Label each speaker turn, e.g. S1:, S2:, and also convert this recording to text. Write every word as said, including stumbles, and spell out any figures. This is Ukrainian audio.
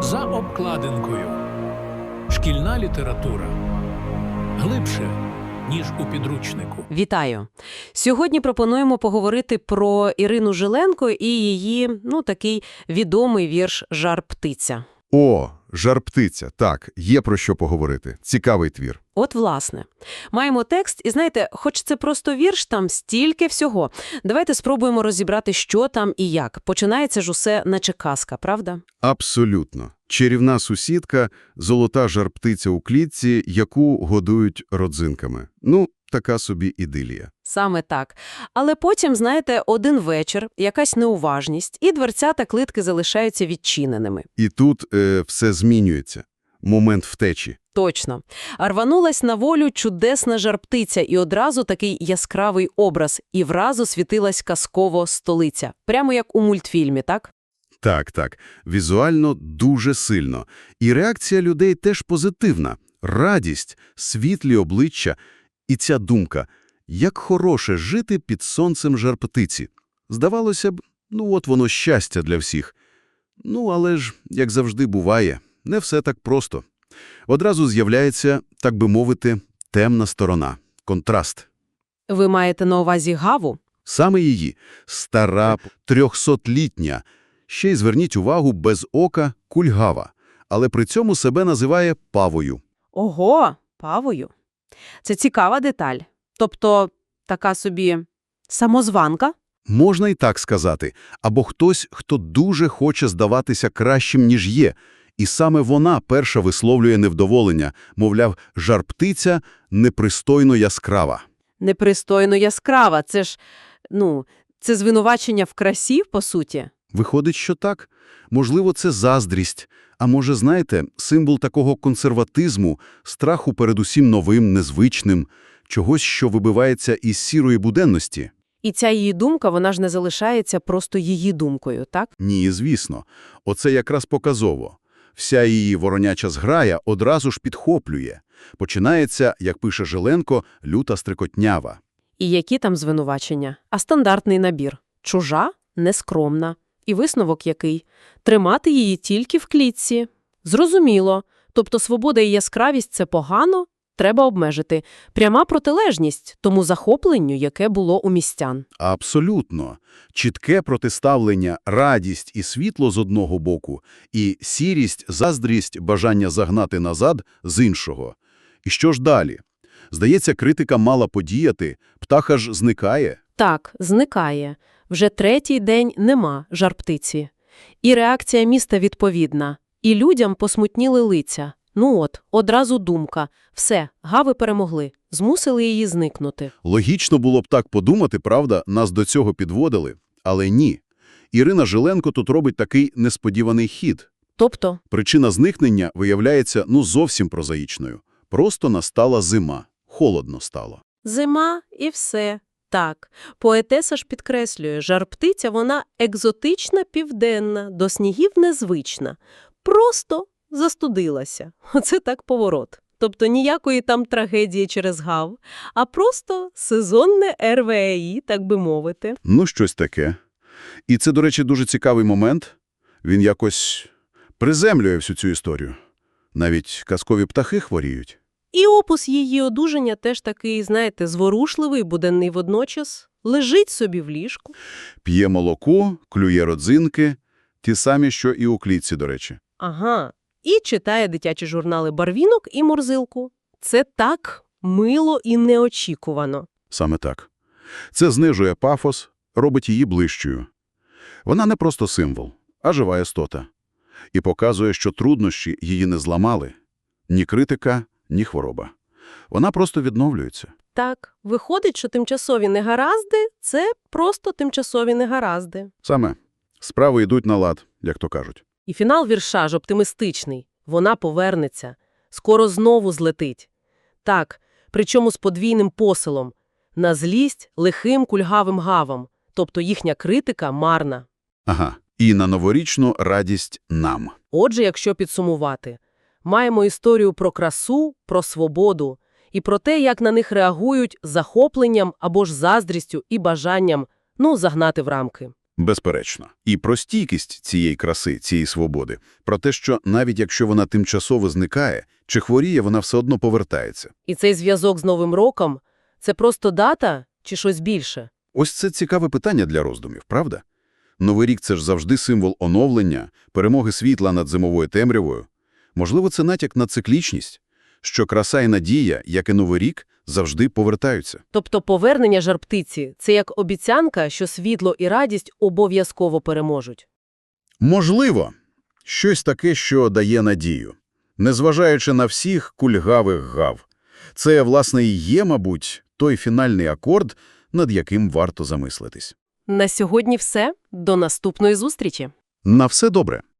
S1: За обкладинкою. Шкільна література. Глибше, ніж у підручнику.
S2: Вітаю! Сьогодні пропонуємо поговорити про Ірину Жиленко і її, ну, такий відомий вірш «Жар-птиця».
S3: О, «Жар-птиця», так, є про що поговорити. Цікавий твір.
S2: От, власне. Маємо текст, і знаєте, хоч це просто вірш, там стільки всього. Давайте спробуємо розібрати, що там і як. Починається ж усе наче казка, правда?
S3: Абсолютно. Чарівна сусідка, золота жар-птиця у клітці, яку годують родзинками. Ну, така собі ідилія.
S2: Саме так. Але потім, знаєте, один вечір, якась неуважність, і дверцята клітки залишаються відчиненими.
S3: І тут е, все змінюється. Момент втечі.
S2: Точно. А рванулась на волю чудесна жар-птиця, і одразу такий яскравий образ, і вразу світилась казково столиця. Прямо як у мультфільмі, так?
S3: Так, так. Візуально дуже сильно. І реакція людей теж позитивна. Радість, світлі обличчя. І ця думка – як хороше жити під сонцем жар-птиці. Здавалося б, ну от воно щастя для всіх. Ну, але ж, як завжди буває, не все так просто. Одразу з'являється, так би мовити, темна сторона – контраст.
S2: Ви маєте на увазі Гаву?
S3: Саме її – стара, трьохсотлітня, ще й зверніть увагу, без ока – кульгава, але при цьому себе називає Павою.
S2: Ого, Павою. Це цікава деталь. Тобто, така собі самозванка?
S3: Можна і так сказати. Або хтось, хто дуже хоче здаватися кращим, ніж є. І саме вона перша висловлює невдоволення. Мовляв, жар-птиця непристойно яскрава.
S2: Непристойно яскрава. Це ж, ну, це звинувачення в красі, по суті?
S3: Виходить, що так. Можливо, це заздрість. А може, знаєте, символ такого консерватизму, страху перед усім новим, незвичним, чогось, що вибивається із сірої буденності.
S2: І ця її думка, вона ж не залишається просто її думкою, так?
S3: Ні, звісно. Оце якраз показово. Вся її вороняча зграя одразу ж підхоплює. Починається, як пише Жиленко, люта стрикотнява.
S2: І які там звинувачення? А стандартний набір. Чужа, нескромна. І висновок який? Тримати її тільки в клітці. Зрозуміло. Тобто свобода і яскравість – це погано? Треба обмежити. Пряма протилежність тому захопленню, яке було у містян.
S3: Абсолютно. Чітке протиставлення радість і світло з одного боку, і сірість, заздрість, бажання загнати назад з іншого. І що ж далі? Здається, критика мала подіяти, птаха ж зникає.
S2: Так, зникає. Вже третій день нема жар-птиці. І реакція міста відповідна. І людям посмутніли лиця. Ну от, одразу думка. Все, Гави перемогли. Змусили її зникнути.
S3: Логічно було б так подумати, правда, нас до цього підводили. Але ні. Ірина Жиленко тут робить такий несподіваний хід.
S2: Тобто?
S3: Причина зникнення виявляється, ну, зовсім прозаїчною. Просто настала зима. Холодно стало.
S2: Зима і все. Так, поетеса ж підкреслює, жар-птиця вона екзотична, південна, до снігів незвична. Просто застудилася. Оце так поворот. Тобто ніякої там трагедії через Гав, а просто сезонне ер ве е і, так би мовити.
S3: Ну, щось таке. І це, до речі, дуже цікавий момент. Він якось приземлює всю цю історію. Навіть казкові птахи хворіють.
S2: І опис її одужання теж такий, знаєте, зворушливий, буденний водночас. Лежить собі в ліжку.
S3: П'є молоко, клює родзинки. Ті самі, що і у клітці, до речі.
S2: Ага. І читає дитячі журнали «Барвінок» і «Морзилку». Це так мило і неочікувано.
S3: Саме так. Це знижує пафос, робить її ближчою. Вона не просто символ, а жива істота. І показує, що труднощі її не зламали. Ні критика, ні хвороба. Вона просто відновлюється.
S2: Так, виходить, що тимчасові негаразди – це просто тимчасові негаразди.
S3: Саме. Справи йдуть на лад, як то кажуть.
S2: І фінал вірша ж оптимістичний. Вона повернеться. Скоро знову злетить. Так, причому з подвійним посилом. На злість лихим кульгавим гавам. Тобто їхня критика марна.
S3: Ага. І на новорічну радість нам.
S2: Отже, якщо підсумувати, маємо історію про красу, про свободу і про те, як на них реагують захопленням або ж заздрістю і бажанням, ну, загнати в рамки.
S3: Безперечно. І про стійкість цієї краси, цієї свободи. Про те, що навіть якщо вона тимчасово зникає, чи хворіє, вона все одно повертається.
S2: І цей зв'язок з Новим роком – це просто дата чи щось більше?
S3: Ось це цікаве питання для роздумів, правда? Новий рік – це ж завжди символ оновлення, перемоги світла над зимовою темрявою. Можливо, це натяк на циклічність, що краса і надія, як і Новий рік, завжди повертаються.
S2: Тобто повернення жар-птиці – це як обіцянка, що світло і радість обов'язково переможуть.
S3: Можливо, щось таке, що дає надію. Незважаючи на всіх кульгавих гав. Це, власне, і є, мабуть, той фінальний акорд, над яким варто замислитись.
S2: На сьогодні все. До наступної зустрічі.
S3: На все добре.